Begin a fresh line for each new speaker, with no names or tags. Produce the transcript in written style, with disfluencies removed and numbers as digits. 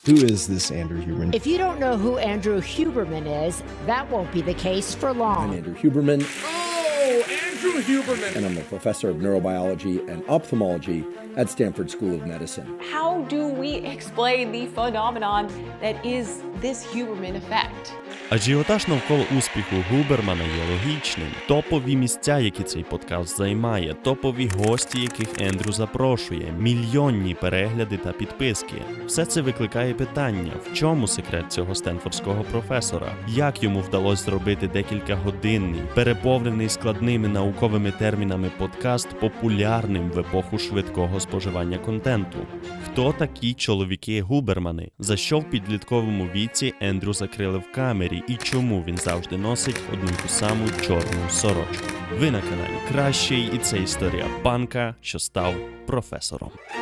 Who is this Andrew Huberman?
If you don't know who Andrew Huberman is, that won't be the case for long.
I'm Andrew Huberman.
Oh, Andrew Huberman!
And I'm a professor of neurobiology and ophthalmology at Stanford School of Medicine.
How do we explain the phenomenon that is this Huberman effect?
Ажіотаж навколо успіху Губермана є логічним. Топові місця, які цей подкаст займає, топові гості, яких Ендрю запрошує, мільйонні перегляди та підписки. Все це викликає питання, в чому секрет цього стенфордського професора? Як йому вдалося зробити декількагодинний, переповнений складними науковими термінами подкаст популярним в епоху швидкого споживання контенту? Хто такі чоловіки-губермани? За що в підлітковому віці Ендрю закрили в камері? І чому він завжди носить одну й ту саму чорну сорочку? Ви на каналі Кращий, і це історія панка, що став професором.